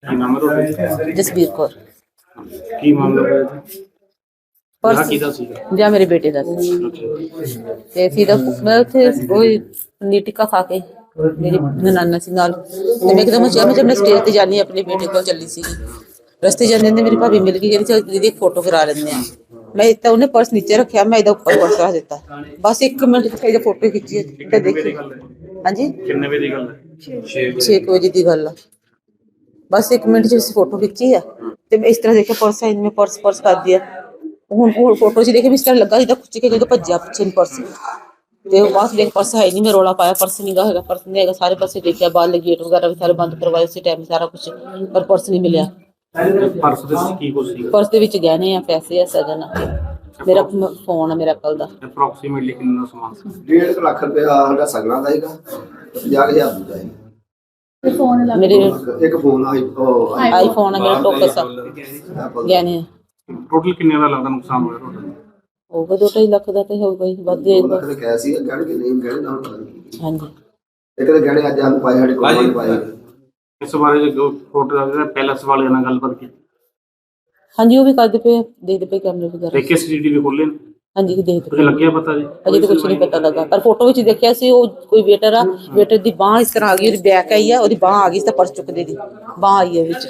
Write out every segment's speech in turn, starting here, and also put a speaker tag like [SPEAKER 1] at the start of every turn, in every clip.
[SPEAKER 1] ਕੀ ਨਾਮ ਹੈ ਤੁਹਾਡਾ?
[SPEAKER 2] ਜਸਬੀਰ ਕੌਰ।
[SPEAKER 1] ਕੀ ਮਾਮਲਾ ਹੋਇਆ ਜੀ?
[SPEAKER 2] ਪਰਸ
[SPEAKER 1] ਕਿਹਦਾ ਸੀਗਾ?
[SPEAKER 2] ਜਾਂ ਮੇਰੇ ਬੇਟੇ ਦਾ ਸੀ। ਤੇ ਫਿਰ ਮੈਂ ਉੱਥੇ ਕੋਈ ਪਨੀਰ ਟਿੱਕਾ ਖਾ ਕੇ ਮੇਰੀ ਨਨਾਨਾ ਸੀ ਨਾਲ, ਤੇ ਮੈਂ ਇੱਕਦਮ ਚਾਹ ਮੈਂ ਸਟੇਜ ਤੇ ਜਾਣੀ ਆਪਣੇ ਬੇਟੇ ਕੋਲ ਚੱਲੀ ਸੀ। ਰਸਤੇ ਜਾਂਦੇ ਨੇ ਮੇਰੀ ਭਾਬੀ ਮਿਲ ਗਈ, ਕਹਿੰਦੀ ਚਲ ਦੀਦੀ ਇੱਕ ਫੋਟੋ ਕਰਾ ਲੈਂਦੇ ਆ। ਮੈਂ ਤਾਂ ਉਹਨੇ ਪਰਸ ਨੀਚੇ ਰੱਖਿਆ, ਮੈਂ ਇਹਦਾ ਉੱਪਰ ਪਰਸ ਰੱਖ ਦਿੱਤਾ। ਬਸ 1 ਮਿੰਟ ਚ ਇਹਦਾ ਫੋਟੋ ਖਿੱਚੀ ਤੇ ਦੇਖੀ। ਹਾਂਜੀ,
[SPEAKER 1] ਕਿੰਨੇ ਵਜੇ ਦੀ ਗੱਲ ਹੈ?
[SPEAKER 2] 6 ਵਜੇ ਦੀ ਗੱਲ ਆ। ਬਸ 1 ਮਿੰਟ ਚ ਅਸੀਂ ਫੋਟੋ ਖਿੱਚੀ ਆ ਤੇ ਮੈਂ ਇਸ ਤਰ੍ਹਾਂ ਦੇਖਿਆ ਪਰਸ ਹੈ, ਮੈਂ ਪਰਸ ਕਰ ਦਿਆ। ਹੁਣ ਫੋਟੋ ਚ ਦੇਖੇ ਵੀ ਇਸ ਤਰ੍ਹਾਂ ਲੱਗਾ ਜਿੱਦਾਂ ਖੁੱਚ ਕੇ ਜਦੋਂ ਭੱਜਿਆ ਪਿੱਛੇ ਨੂੰ ਪਰਸ, ਤੇ ਉਹ ਬਾਅਦ ਦੇਖ ਪਰਸ ਹੈ ਨਹੀਂ। ਮੈਂ ਰੌਲਾ ਪਾਇਆ ਪਰਸ ਨਹੀਂ ਹੈਗਾ, ਪਰਸ ਨਹੀਂ ਹੈਗਾ। ਸਾਰੇ ਪਾਸੇ ਦੇਖਿਆ, ਬਾਹਰ ਗੇਟ ਵਗੈਰਾ ਵੀ ਸਾਰੇ ਬੰਦ ਕਰਵਾਏ ਉਸੇ ਟਾਈਮ ਸਾਰਾ ਕੁਛ, ਪਰ ਪਰਸ ਨਹੀਂ ਮਿਲਿਆ।
[SPEAKER 1] ਪਰਸ ਦੇ ਵਿੱਚ ਕੀ ਕੁਝ ਸੀਗਾ?
[SPEAKER 2] ਪਰਸ ਦੇ ਵਿੱਚ ਗਹਿਣੇ ਆ, ਪੈਸੇ ਆ, ਸਗਨ ਆ, ਮੇਰਾ ਫੋਨ ਆ, ਮੇਰਾ ਕੱਲ ਦਾ।
[SPEAKER 1] ਅਪਰੋਕਸੀਮੇਟਲੀ ਕਿੰਨਾ ਸਮਾਨ ਸੀ?
[SPEAKER 3] 1.5 ਲੱਖ ਰੁਪਇਆ ਸਾਡਾ ਸਗਣਾ ਦਾ ਹੈਗਾ, 50,000 ਦਾ ਹੈਗਾ।
[SPEAKER 2] ਮੇਰੇ
[SPEAKER 3] ਇੱਕ ਫੋਨ
[SPEAKER 2] ਆਈਫੋਨ ਆ, ਮੇਰਾ ਟੋਕਸ ਆ, ਗਹਿਣੇ ਆ।
[SPEAKER 1] ਟੋਟਲ ਕਿੰਨੇ ਦਾ ਲੱਗਦਾ ਨੁਕਸਾਨ ਹੋਇਆ ਤੁਹਾਡਾ?
[SPEAKER 2] ਹੋਊਗਾ 2-2.5 ਲੱਖ ਦਾ ਤੇ ਹੋਊਗਾ ਹੀ, ਵੱਧ ਜਾਏਗਾ।
[SPEAKER 3] ਲੱਖ ਕਹਿ ਸੀ ਗਹਿਣੇ ਕਿ ਨਹੀਂ ਗਹਿਣੇ ਨਾਲ ਪਤਾ ਨਹੀਂ।
[SPEAKER 2] ਹਾਂਜੀ,
[SPEAKER 3] ਇੱਕ ਤਾਂ ਗਹਿਣੇ ਅੱਜ ਸਾਨੂੰ ਪਾਏ, ਸਾਡੇ ਕੋਲ ਨਹੀਂ ਪਾਏ।
[SPEAKER 1] ਇਸ ਬਾਰੇ ਜੋ ਫੋਟੋ ਦਾ ਪੈਲਸ ਵਾਲਿਆਂ ਨਾਲ ਗੱਲਬਾਤ ਕੀਤੀ?
[SPEAKER 2] ਹਾਂਜੀ, ਉਹ ਵੀ ਕਰਦੇ ਪਏ, ਦੇਖਦੇ ਪਏ ਕੈਮਰੇ ਵਗੈਰਾ।
[SPEAKER 1] ਦੇਖੇ ਸੀਸੀਟੀਵੀ ਖੋਲੇ ਨੇ?
[SPEAKER 2] ਹਾਂਜੀ, ਦੇਖਦੇ
[SPEAKER 1] ਕੁਝ
[SPEAKER 2] ਪਏ।
[SPEAKER 1] ਲੱਗਿਆ ਪਤਾ ਜੀ?
[SPEAKER 2] ਅਜੇ ਤਾਂ ਕੁਛ ਨਹੀਂ ਪਤਾ ਲੱਗਾ, ਪਰ ਫੋਟੋ ਵਿੱਚ ਦੇਖਿਆ ਸੀ ਉਹ ਕੋਈ ਵੇਟਰ ਆ, ਵੇਟਰ ਦੀ ਬਾਂਹ ਇਸ ਤਰ੍ਹਾਂ ਆ ਗਈ, ਉਹਦੀ ਬੈਕ ਆਈ ਆ, ਉਹਦੀ ਬਾਂਹ ਆ ਗਈ, ਤਾਂ ਪਰਸ ਚੁੱਕਦੇ ਦੀ ਬਾਂਹ ਆਈ ਹੈ ਵਿੱਚ,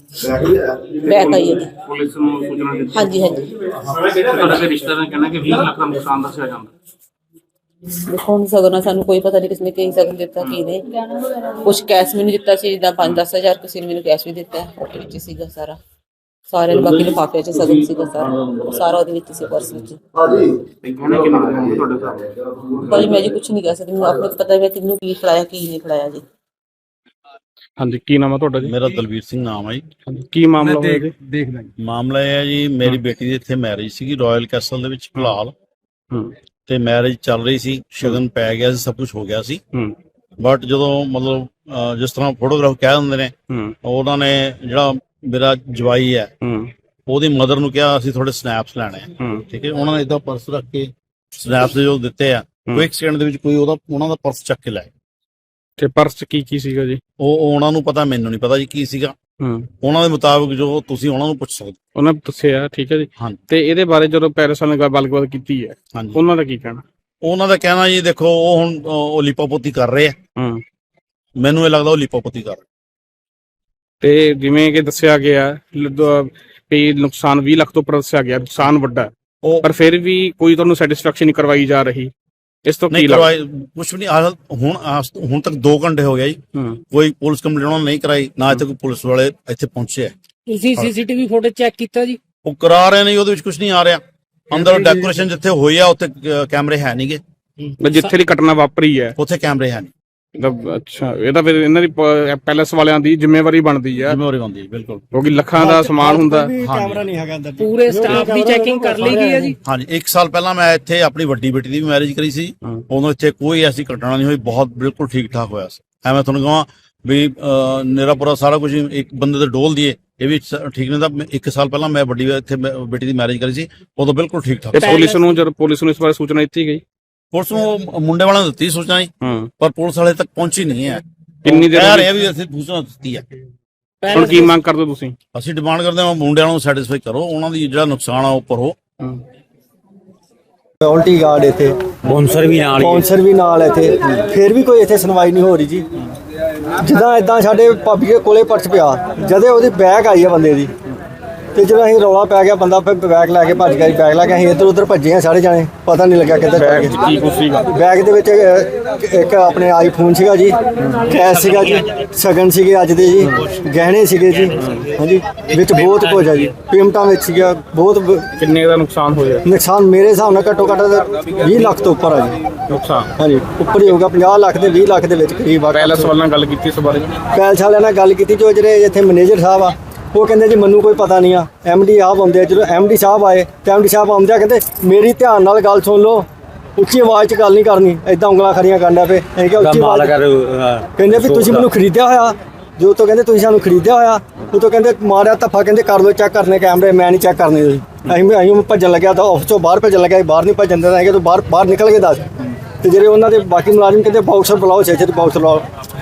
[SPEAKER 2] ਬੈਕ ਆਈ ਹੈ।
[SPEAKER 1] ਪੁਲਿਸ ਨੂੰ ਸੂਚਨਾ ਦਿੱਤੀ?
[SPEAKER 2] ਹਾਂਜੀ ਹਾਂਜੀ,
[SPEAKER 1] ਤੁਹਾਡੇ ਰਿਸ਼ਤੇਦਾਰਾਂ ਨੇ ਕਹਿਣਾ ਕਿ 20 ਲੱਖ ਦਾ ਨੁਕਸਾਨ ਦੱਸਿਆ ਜਾਂਦਾ।
[SPEAKER 2] ਦੇਖੋ ਹੁਣ ਸਗਨ ਸਾਨੂੰ ਕੋਈ ਪਤਾ ਨਹੀਂ ਕਿਸਨੇ ਕੀ ਸਗਨ ਦਿੱਤਾ ਕੀ ਨਹੀਂ। ਕੁਛ ਕੈਸ਼ ਮੈਨੂੰ ਦਿੱਤਾ ਸੀ, ਜਿੱਦਾਂ 5-10 ਹਜ਼ਾਰ, ਕਿਸੇ ਨੇ ਮੈਨੂੰ ਕੈਸ਼ ਵੀ ਦਿੱਤਾ, ਉਹਦੇ ਵਿੱਚ ਸੀਗਾ ਸਾਰਾ, ਸਾਰਿਆਂ ਨੂੰ। ਬਾਕੀ ਲਿਫਾਫੇ 'ਚ ਸਗਨ ਸੀਗਾ ਸਾਰਾ ਉਹਦੇ ਵਿੱਚ ਸੀ, ਪਰਸ ਵਿੱਚ।
[SPEAKER 3] ਹਾਂਜੀ,
[SPEAKER 1] ਗਹਿਣੇ ਕਿੰਨੇ ਦੇ ਹੋਣਗੇ ਤੁਹਾਡੇ ਸਾਹਮਣੇ?
[SPEAKER 2] ਭਾਜੀ ਮੈਂ ਜੀ ਕੁਛ ਨਹੀਂ ਕਹਿ ਸਕਦੀ, ਮੈਨੂੰ ਆਪਣੇ ਪਤਾ ਹੈ ਕਿਹਨੂੰ ਕੀ ਖਿਲਾਇਆ ਕੀ ਨਹੀਂ ਖਿਲਾਇਆ ਜੀ।
[SPEAKER 1] ਹਾਂਜੀ, ਕੀ ਨਾਮ ਹੈ ਤੁਹਾਡਾ ਜੀ?
[SPEAKER 4] ਮੇਰਾ ਦਲਵੀਰ ਸਿੰਘ ਨਾਮ ਹੈ ਜੀ।
[SPEAKER 1] ਕੀ ਮਾਮਲਾ ਹੋਇਆ ਜੀ?
[SPEAKER 4] ਮਾਮਲਾ ਇਹ ਹੈ ਜੀ, ਮੇਰੀ ਬੇਟੀ ਦੀ ਇੱਥੇ ਮੈਰਿਜ ਸੀਗੀ ਰਾਇਲ ਕੈਸਲ ਦੇ ਵਿੱਚ ਫਿਲਹਾਲ, ਤੇ ਮੈਰਿਜ ਚੱਲ ਰਹੀ ਸੀ, ਸ਼ਗਨ ਪੈ ਗਿਆ ਸੀ, ਸਭ ਕੁਝ ਹੋ ਗਿਆ ਸੀ। ਬਟ ਜਦੋਂ ਮਤਲਬ ਜਿਸ ਤਰ੍ਹਾਂ ਫੋਟੋਗ੍ਰਾਫ ਕਹਿ ਦਿੰਦੇ ਨੇ, ਉਹਨਾਂ ਨੇ ਜਿਹੜਾ ਮੇਰਾ ਜਵਾਈ ਹੈ ਉਹਦੀ ਮਦਰ ਨੂੰ ਕਿਹਾ ਅਸੀਂ ਥੋੜੇ ਸਨੈਪਸ ਲੈਣੇ ਆ, ਠੀਕ ਹੈ। ਉਹਨਾਂ ਨੇ ਏਦਾਂ ਪਰਸ ਰੱਖ ਕੇ ਸਨੈਪਸ ਜੋ ਦਿੱਤੇ ਆ, ਕੋਈ ਸੈਕਿੰਡ ਦੇ ਵਿੱਚ ਕੋਈ ਉਹਨਾਂ ਦਾ ਪਰਸ ਚੱਕ ਕੇ ਲੈ।
[SPEAKER 1] ਤੇ ਪਰਸ ਚ ਕੀ ਸੀਗਾ ਜੀ?
[SPEAKER 4] ਉਹ ਉਹਨਾਂ ਨੂੰ ਪਤਾ, ਮੈਨੂੰ ਨਹੀਂ ਪਤਾ ਜੀ ਕੀ ਸੀਗਾ। ਉਹਨਾਂ ਦੇ ਮੁਤਾਬਕ ਜੋ ਤੁਸੀਂ ਉਹਨਾਂ ਨੂੰ ਪੁੱਛ ਸਕਦੇ।
[SPEAKER 1] ਉਹਨਾਂ ਨੇ ਦੱਸਿਆ, ਠੀਕ ਹੈ ਜੀ।
[SPEAKER 4] ਹਾਂਜੀ,
[SPEAKER 1] ਤੇ ਇਹਦੇ ਬਾਰੇ ਜਦੋਂ ਪੈਰਿਸ ਵਾਲਿਆਂ ਨਾਲ ਗੱਲਬਾਤ ਕੀਤੀ ਹੈ,
[SPEAKER 4] ਹਾਂਜੀ,
[SPEAKER 1] ਉਹਨਾਂ ਦਾ ਕੀ ਕਹਿਣਾ?
[SPEAKER 4] ਉਹਨਾਂ ਦਾ ਕਹਿਣਾ ਜੀ ਦੇਖੋ, ਉਹ ਹੁਣ ਉਹ ਲਿਪੋਪੋਤੀ ਕਰ ਰਹੇ ਆ। ਮੈਨੂੰ ਇਹ ਲੱਗਦਾ ਉਹ ਲਿਪੋਪੋਤੀ ਕਰ ਰਹੇ।
[SPEAKER 1] ਤੇ ਜਿਵੇਂ ਕਿ ਦੱਸਿਆ ਗਿਆ ਵੀ ਨੁਕਸਾਨ 20 ਲੱਖ ਤੋਂ ਉੱਪਰ ਦੱਸਿਆ ਗਿਆ, ਨੁਕਸਾਨ ਵੱਡਾ, ਪਰ ਫਿਰ ਵੀ ਕੋਈ ਤੁਹਾਨੂੰ ਸੈਟੀਸਫੈਕਸ਼ਨ ਨਹੀਂ ਕਰਵਾਈ ਜਾ ਰਹੀ। ਇਸ ਤੋਂ ਕੀ ਲੱਗਦਾ?
[SPEAKER 4] ਕੁਛ ਵੀ ਨਹੀਂ। ਹੁਣ ਤੱਕ 2 ਘੰਟੇ ਹੋ ਗਿਆ ਜੀ, ਕੋਈ ਪੁਲਿਸ ਕੰਪਲੇਂਟ ਉਹਨਾਂ ਨੇ ਨਹੀਂ ਕਰਾਈ, ਨਾ ਇੱਥੇ ਕੋਈ ਪੁਲਿਸ ਵਾਲੇ ਇੱਥੇ ਪਹੁੰਚੇ ਆ।
[SPEAKER 5] ਤੁਸੀਂ ਸੀਸੀਟੀਵੀ ਫੁਟੇਜ ਚੈੱਕ ਕੀਤਾ ਜੀ?
[SPEAKER 4] ਉਹ ਕਰਾ ਰਹੇ ਨੇ, ਉਹਦੇ ਵਿੱਚ ਕੁਝ ਨਹੀਂ ਆ ਰਿਹਾ। ਅੰਦਰ ਡੈਕੋਰੇਸ਼ਨ ਜਿੱਥੇ ਹੋਈ ਆ ਉੱਥੇ ਕੈਮਰੇ ਹੈ ਨਹੀਂਗੇ।
[SPEAKER 1] ਜਿੱਥੇ ਦੀ ਘਟਨਾ ਵਾਪਰੀ ਹੈ
[SPEAKER 4] ਉੱਥੇ ਕੈਮਰੇ ਹੈ ਨਹੀਂ।
[SPEAKER 1] ਅੱਛਾ, ਇਹ ਤਾਂ ਫਿਰ ਇਹਨਾਂ ਦੀ ਪੈਲਸ ਵਾਲਿਆਂ ਦੀ ਜ਼ਿੰਮੇਵਾਰੀ ਬਣਦੀ ਹੈ।
[SPEAKER 4] ਜ਼ਿੰਮੇਵਾਰੀ ਬਣਦੀ ਹੈ, ਬਿਲਕੁਲ,
[SPEAKER 1] ਕਿਉਂਕਿ ਲੱਖਾਂ ਦਾ ਸਮਾਨ ਹੁੰਦਾ।
[SPEAKER 5] ਕੈਮਰਾ ਨਹੀਂ ਹੈਗਾ ਅੰਦਰ। ਪੂਰੇ ਸਟਾਫ ਦੀ ਚੈਕਿੰਗ ਕਰ ਲਈ ਗਈ ਹੈ ਜੀ?
[SPEAKER 4] ਹਾਂਜੀ, 1 ਸਾਲ ਪਹਿਲਾਂ ਮੈਂ ਇੱਥੇ ਆਪਣੀ ਵੱਡੀ ਬੇਟੀ ਦੀ ਵੀ ਮੈਰਿਜ ਕਰੀ ਸੀ, ਉਦੋਂ ਇੱਥੇ ਕੋਈ ਐਸੀ ਘਟਨਾ ਨਹੀਂ ਹੋਈ, ਬਹੁਤ ਬਿਲਕੁਲ ਠੀਕ ਠਾਕ ਹੋਇਆ ਸੀ। ਐਵੇਂ ਤੁਹਾਨੂੰ ਕਹਾਂ ਵੀ ਮੇਰਾ ਪੂਰਾ ਸਾਰਾ ਕੁਝ ਇੱਕ ਬੰਦੇ ਦੇ ਡੋਲ ਦੀਏ, ਇਹ ਵੀ ਠੀਕ ਨਹੀਂ। ਤਾਂ 1 ਸਾਲ ਪਹਿਲਾਂ ਮੈਂ ਵੱਡੀ ਇੱਥੇ ਬੇਟੀ ਦੀ ਮੈਰਿਜ ਕਰੀ ਸੀ, ਉਦੋਂ ਬਿਲਕੁਲ ਠੀਕ ਠਾਕ।
[SPEAKER 1] ਪੁਲਿਸ ਨੂੰ ਇਸ ਬਾਰੇ ਸੂਚਨਾ ਦਿੱਤੀ ਗਈ?
[SPEAKER 4] ਪੁਲਿਸ ਨੂੰ ਮੁੰਡੇ ਵਾਲਿਆਂ ਨੂੰ ਦਿੱਤੀ ਸੂਚਨਾ ਜੀ, ਪਰ ਪੁਲਿਸ ਵਾਲੇ ਤੱਕ ਪਹੁੰਚੀ ਨਹੀਂ ਹੈ।
[SPEAKER 1] ਕਿੰਨੀ ਦੇਰ
[SPEAKER 4] ਕਹਿ ਰਹੇ ਵੀ ਅਸੀਂ ਸੂਚਨਾ ਦਿੱਤੀ ਹੈ।
[SPEAKER 1] ਹੁਣ ਕੀ ਮੰਗ ਕਰਦੇ ਤੁਸੀਂ?
[SPEAKER 4] ਅਸੀਂ ਡਿਮਾਂਡ ਕਰਦੇ ਹਾਂ ਮੁੰਡਿਆਂ ਨੂੰ ਸੈਟੀਸਫਾਈ ਕਰੋ, ਉਹਨਾਂ ਦੀ ਜਿਹੜਾ ਨੁਕਸਾਨ ਆ ਉਹ ਭਰੋ।
[SPEAKER 6] ਸਿਕਿਉਰਿਟੀ ਗਾਰਡ ਇੱਥੇ, ਬੌਂਸਰ ਵੀ ਨਾਲ ਇੱਥੇ, ਫਿਰ ਵੀ ਕੋਈ ਇੱਥੇ ਸੁਣਵਾਈ ਨਹੀਂ ਹੋ ਰਹੀ ਜੀ। ਜਿੱਦਾਂ ਇਦਾਂ ਸਾਡੇ ਭਾਬੀ ਦੇ ਕੋਲੇ ਪਰਸ ਪਿਆ, ਜਦੇ ਉਹਦੀ ਬੈਗ ਆਈ ਹੈ ਬੰਦੇ ਦੀ, ਤੇ ਜਦੋਂ ਅਸੀਂ ਰੌਲਾ ਪੈ ਗਿਆ, ਬੰਦਾ ਫਿਰ ਬੈਗ ਲੈ ਕੇ ਭੱਜ ਗਿਆ। ਬੈਗ ਲੈ ਕੇ ਅਸੀਂ ਇੱਧਰ ਉੱਧਰ ਭੱਜੇ ਆ ਸਾਰੇ ਜਾਣੇ, ਪਤਾ ਨਹੀਂ ਲੱਗਿਆ ਕਿੱਧਰ ਪੈ ਗਏ। ਬੈਗ ਦੇ ਵਿੱਚ ਇੱਕ ਆਪਣੇ ਆਈਫੋਨ ਸੀਗਾ ਜੀ, ਕੈਸ਼ ਸੀਗਾ ਜੀ, ਸ਼ਗਨ ਸੀਗੇ ਅੱਜ ਦੇ ਜੀ, ਗਹਿਣੇ ਸੀਗੇ ਜੀ, ਹਾਂਜੀ, ਵਿੱਚ ਬਹੁਤ ਕੁਝ ਆ ਜੀ, ਪੇਮੈਂਟਾਂ ਵਿੱਚ ਸੀਗਾ ਬਹੁਤ।
[SPEAKER 1] ਕਿੰਨੇ ਦਾ ਨੁਕਸਾਨ ਹੋਇਆ?
[SPEAKER 6] ਨੁਕਸਾਨ ਮੇਰੇ ਹਿਸਾਬ ਨਾਲ ਘੱਟੋ ਘੱਟ 20 ਲੱਖ ਤੋਂ ਉੱਪਰ ਆ ਜੀ
[SPEAKER 1] ਨੁਕਸਾਨ।
[SPEAKER 6] ਹਾਂਜੀ, ਉੱਪਰ ਹੀ ਹੋਊਗਾ, 50 ਲੱਖ ਦੇ 20 ਲੱਖ ਦੇ ਵਿੱਚ ਕਰੀਬ ਆ।
[SPEAKER 1] ਪੈਲਸ ਵਾਲਿਆਂ ਨਾਲ ਗੱਲ ਕੀਤੀ ਇਸ ਬਾਰੇ?
[SPEAKER 6] ਪੈਲਸ ਵਾਲਿਆਂ ਨਾਲ ਗੱਲ ਕੀਤੀ, ਜੋ ਜਿਹੜੇ ਇੱਥੇ ਮੈਨੇਜਰ ਸਾਹਿਬ ਆ, ਉਹ ਕਹਿੰਦੇ ਜੀ ਮੈਨੂੰ ਕੋਈ ਪਤਾ ਨਹੀਂ ਆ। MD ਆਪ ਆਉਂਦੇ ਆ, ਜਦੋਂ MD ਸਾਹਿਬ ਆਏ ਤੇ MD ਸਾਹਿਬ ਆਉਂਦੇ ਆ ਕਹਿੰਦੇ ਮੇਰੀ ਧਿਆਨ ਨਾਲ ਗੱਲ ਸੁਣ ਲਓ, ਉੱਚੀ ਆਵਾਜ਼ 'ਚ ਗੱਲ ਨਹੀਂ ਕਰਨੀ। ਏਦਾਂ ਉਂਗਲਾਂ ਖੜੀਆਂ ਕਰਨਾ ਪਏ। ਅਸੀਂ ਕਿਹਾ ਉੱਚੀ ਆਵਾਜ਼ ਕਹਿੰਦੇ ਵੀ ਤੁਸੀਂ ਮੈਨੂੰ ਖਰੀਦਿਆ ਹੋਇਆ, ਜੋ ਤੋਂ ਕਹਿੰਦੇ ਤੁਸੀਂ ਸਾਨੂੰ ਖਰੀਦਿਆ ਹੋਇਆ, ਉਹ ਤੋਂ ਕਹਿੰਦੇ ਮਾਰਿਆ ਧੱਫਾ, ਕਹਿੰਦੇ ਕਰ ਲਓ ਚੈੱਕ ਕਰਨੇ ਕੈਮਰੇ, ਮੈਂ ਨਹੀਂ ਚੈੱਕ ਕਰਨੇ ਜੀ। ਅਸੀਂ ਭੱਜਣ ਲੱਗਿਆ ਤਾਂ ਆਫਿਸ ਤੋਂ ਬਾਹਰ ਭੱਜਣ ਲੱਗਿਆ, ਬਾਹਰ ਨਹੀਂ ਭੱਜਣ ਦਿੰਦਾ ਹੈਗਾ, ਤੂੰ ਬਾਹਰ ਨਿਕਲ ਕੇ ਦੱਸ। ਤੇ ਜਿਹੜੇ ਉਹਨਾਂ ਦੇ ਬਾਕੀ ਮੁਲਾਜ਼ਮ ਕਹਿੰਦੇ ਬਾਕਸਰ ਬੁਲਾਓ, ਛੇ ਬਾਕਸਰ ਬੁਲਾਓ।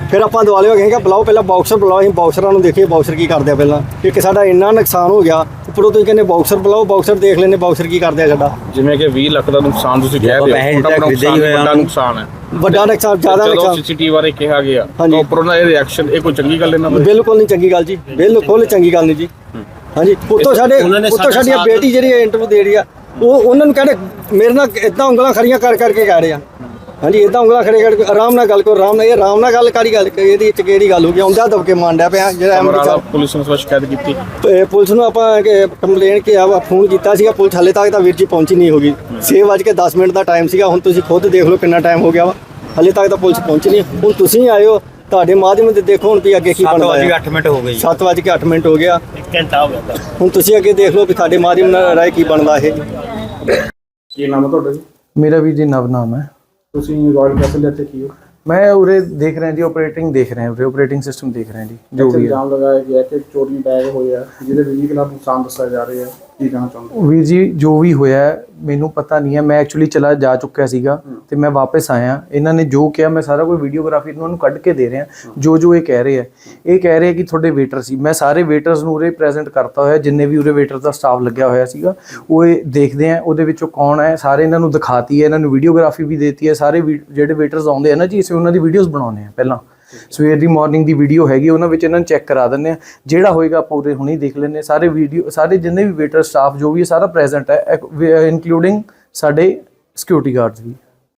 [SPEAKER 6] ਫਿਰ ਆਪਾਂ ਦੁਆਲੇ ਹੋ ਗਏ ਕਿ ਬੁਲਾਓ ਪਹਿਲਾਂ ਬਾਕਸਰ ਬੁਲਾਓ, ਅਸੀਂ ਬਾਕਸਰਾਂ ਨੂੰ ਦੇਖੀਏ ਬਾਕਸਰ ਕੀ ਕਰਦੇ ਆ ਪਹਿਲਾਂ। ਇੱਕ ਸਾਡਾ ਇੰਨਾ ਨੁਕਸਾਨ ਹੋ ਗਿਆ, ਉੱਪਰੋਂ ਤੁਸੀਂ ਕਹਿੰਦੇ ਬਾਕਸਰ ਬੁਲਾਓ, ਬਾਕਸਰ ਦੇਖ ਲੈਂਦੇ ਬਾਕਸਰ ਕੀ ਕਰਦੇ ਆ ਸਾਡਾ।
[SPEAKER 1] ਜਿਵੇਂ ਕਿ 20 ਲੱਖ ਦਾ ਨੁਕਸਾਨ ਤੁਸੀਂ ਕਹਿ ਰਹੇ ਹੋ, ਵੱਡਾ ਨੁਕਸਾਨ ਹੈ,
[SPEAKER 6] ਵੱਡਾ ਨੁਕਸਾਨ, ਜ਼ਿਆਦਾ ਨੁਕਸਾਨ।
[SPEAKER 1] ਸੀਸੀਟੀਵੀ ਬਾਰੇ ਕਿਹਾ ਗਿਆ
[SPEAKER 6] ਹਾਂਜੀ।
[SPEAKER 1] ਤਾਂ ਉੱਪਰੋਂ ਦਾ ਇਹ ਰਿਐਕਸ਼ਨ, ਇਹ ਕੋਈ ਚੰਗੀ ਗੱਲ ਇਹਨਾਂ ਦੀ?
[SPEAKER 6] ਬਿਲਕੁਲ ਨਹੀਂ ਚੰਗੀ ਗੱਲ ਜੀ, ਬਿਲਕੁਲ ਚੰਗੀ ਗੱਲ ਨਹੀਂ ਜੀ। ਹਾਂਜੀ, ਉੱਤੋਂ ਸਾਡੀ ਬੇਟੀ ਜਿਹੜੀ ਇੰਟਰਵਿਊ ਦੇ ਰਹੀ ਆ, ਉਹ ਉਹਨਾਂ ਨੂੰ ਕਹਿੰਦੇ ਮੇਰੇ ਨਾਲ ਇਦਾਂ ਉਂਗਲਾਂ ਖੜੀਆਂ ਕਰਕੇ ਕਹਿ ਰਹੇ ਆ। ਹਾਂਜੀ, ਇਦਾਂ ਉਂਗਲਾਂ ਖੜੇ ਕਰਕੇ ਆਰਾਮ ਨਾਲ ਗੱਲ ਕਰੋ, ਆਰਾਮ ਨਾਲ। ਇਹ ਆਰਾਮ ਨਾਲ ਗੱਲ ਕਾਹਦੀ ਗੱਲ, ਇਹਦੇ ਵਿੱਚ ਕਿਹੜੀ ਗੱਲ ਹੋ ਗਈ? ਆਉਂਦਾ ਦਬਕੇ ਮਾਂਡਿਆ ਪਿਆ ਜਿਹੜਾ
[SPEAKER 1] ਪੁਲਿਸ ਨੂੰ ਸ਼ਿਕਾਇਤ ਕੀਤੀ।
[SPEAKER 6] ਪੁਲਿਸ ਨੂੰ ਆਪਾਂ ਕੰਪਲੇਨ ਫੋਨ ਕੀਤਾ ਸੀਗਾ, ਪੁਲਿਸ ਹਾਲੇ ਤੱਕ ਤਾਂ ਵੀਰ ਜੀ ਪਹੁੰਚੀ ਨਹੀਂ ਹੋਗੀ। 6:10 ਦਾ ਟਾਈਮ ਸੀਗਾ, ਹੁਣ ਤੁਸੀਂ ਖੁਦ ਦੇਖ ਲਓ ਕਿੰਨਾ ਟਾਈਮ ਹੋ ਗਿਆ ਵਾ, ਹਾਲੇ ਤੱਕ ਤਾਂ ਪੁਲਿਸ ਪਹੁੰਚੀ ਨਹੀਂ। ਹੁਣ ਤੁਸੀਂ ਆਏ ਹੋ, ਤੁਹਾਡੇ ਮਾਧਿਅਮ ਤੇ ਦੇਖੋ ਹੁਣ ਵੀ ਅੱਗੇ ਕੀ ਬਣਦਾ ਹੈ।
[SPEAKER 4] 7:08 ਮਿੰਟ ਹੋ ਗਏ,
[SPEAKER 6] 7:08 ਮਿੰਟ ਹੋ ਗਿਆ,
[SPEAKER 4] 1 ਘੰਟਾ ਹੋ ਗਿਆ।
[SPEAKER 6] ਹੁਣ ਤੁਸੀਂ ਅੱਗੇ ਦੇਖ ਲਓ ਵੀ ਤੁਹਾਡੇ ਮਾਧਿਅਮ ਨਾਲ ਰਾਏ ਕੀ ਬਣਦਾ ਇਹ।
[SPEAKER 1] ਕੀ ਨਾਮ ਹੈ ਤੁਹਾਡਾ ਜੀ?
[SPEAKER 7] ਮੇਰਾ ਵੀ ਜੀ ਨਵ ਨਾਮ ਹੈ।
[SPEAKER 1] ਤੁਸੀਂ ਰਾਇਲ ਕੈਸਲ ਦੇ ਇੱਥੇ ਕੀ ਹੋ?
[SPEAKER 7] ਮੈਂ ਉਰੇ ਦੇਖ ਰਿਹਾ ਜੀ, ਆਪਰੇਟਿੰਗ ਦੇਖ ਰਹੇ ਹਾਂ, ਉਰੇ ਆਪਰੇਟਿੰਗ ਸਿਸਟਮ ਦੇਖ ਰਹੇ ਹਾਂ ਜੀ, ਜੋ ਵੀ ਹੈ।
[SPEAKER 1] ਇਲਜ਼ਾਮ ਲਗਾਇਆ ਗਿਆ ਕਿ ਚੋਰੀ ਬੈਗ ਹੋਇਆ, ਜਿਹਦੇ 20 ਲੱਖ ਨੁਕਸਾਨ ਦੱਸਿਆ ਜਾ ਰਿਹਾ ਹੈ, ਕੀ ਕਹਿਣਾ ਚਾਹੁੰਦੇ?
[SPEAKER 7] ਵੀਰ ਜੀ ਜੋ ਵੀ ਹੋਇਆ ਹੈ, ਮੈਨੂੰ ਪਤਾ ਨਹੀਂ ਹੈ। ਮੈਂ ਐਕਚੁਅਲੀ ਚਲਾ ਜਾ ਚੁੱਕਿਆ ਸੀਗਾ ਤੇ ਮੈਂ ਵਾਪਸ ਆਇਆ। ਇਹਨਾਂ ਨੇ ਜੋ ਕਿਹਾ ਮੈਂ ਸਾਰਾ ਕੋਈ ਵੀਡੀਓਗ੍ਰਾਫੀ ਇਹਨਾਂ ਨੂੰ ਕੱਢ ਕੇ ਦੇ ਰਿਹਾ। ਜੋ ਇਹ ਕਹਿ ਰਹੇ ਆ, ਇਹ ਕਹਿ ਰਹੇ ਕਿ ਤੁਹਾਡੇ ਵੇਟਰ ਸੀ। ਮੈਂ ਸਾਰੇ ਵੇਟਰਸ ਨੂੰ ਉਰੇ ਪ੍ਰੈਜ਼ੈਂਟ ਕਰਤਾ ਹੋਇਆ, ਜਿੰਨੇ ਵੀ ਉਰੇ ਵੇਟਰ ਦਾ ਸਟਾਫ ਲੱਗਿਆ ਹੋਇਆ ਸੀਗਾ। ਉਹ ਇਹ ਦੇਖਦੇ ਆ ਉਹਦੇ ਵਿੱਚੋਂ ਕੌਣ ਹੈ, ਸਾਰੇ ਇਹਨਾਂ ਨੂੰ ਦਿਖਾਤੀ ਹੈ, ਇਹਨਾਂ ਨੂੰ ਵੀਡੀਓਗ੍ਰਾਫੀ ਵੀ ਦੇਤੀ ਹੈ। ਸਾਰੇ ਜਿਹੜੇ ਵੇਟਰਸ ਆਉਂਦੇ ਆ ਨਾ ਜੀ, ਅਸੀਂ ਉਹਨਾਂ ਦੀ ਵੀਡੀਓਜ਼ ਬਣਾਉਂਦੇ ਆ। ਪਹਿਲਾਂ ਸਵੇਰ ਦੀ ਮਾਰਨਿੰਗ ਦੀ ਵੀਡੀਓ ਹੈਗੀ, ਉਹਨਾਂ ਵਿੱਚ ਇਹਨਾਂ ਨੂੰ ਚੈੱਕ ਕਰਾ ਦਿੰਦੇ ਆ। ਜਿਹੜਾ ਹੋਏਗਾ ਆਪਾਂ ਉਰੇ ਹੁਣੇ ਦੇਖ ਲੈਂਦੇ ਹਾਂ। ਸਾਰੇ ਵੀਡੀਓ, ਸਾਰੇ ਜਿੰਨੇ ਵੀ ਵੇਟਰ ਸਟਾਫ ਜੋ ਵੀ ਹੈ ਸਾਰਾ ਪ੍ਰੈਜ਼ੈਂਟ ਹੈ, ਇਨਕਲੂਡਿੰਗ ਸਾਡੇ ਸਿਕਿਉਰਿਟੀ ਗਾਰਡਸ ਵੀ।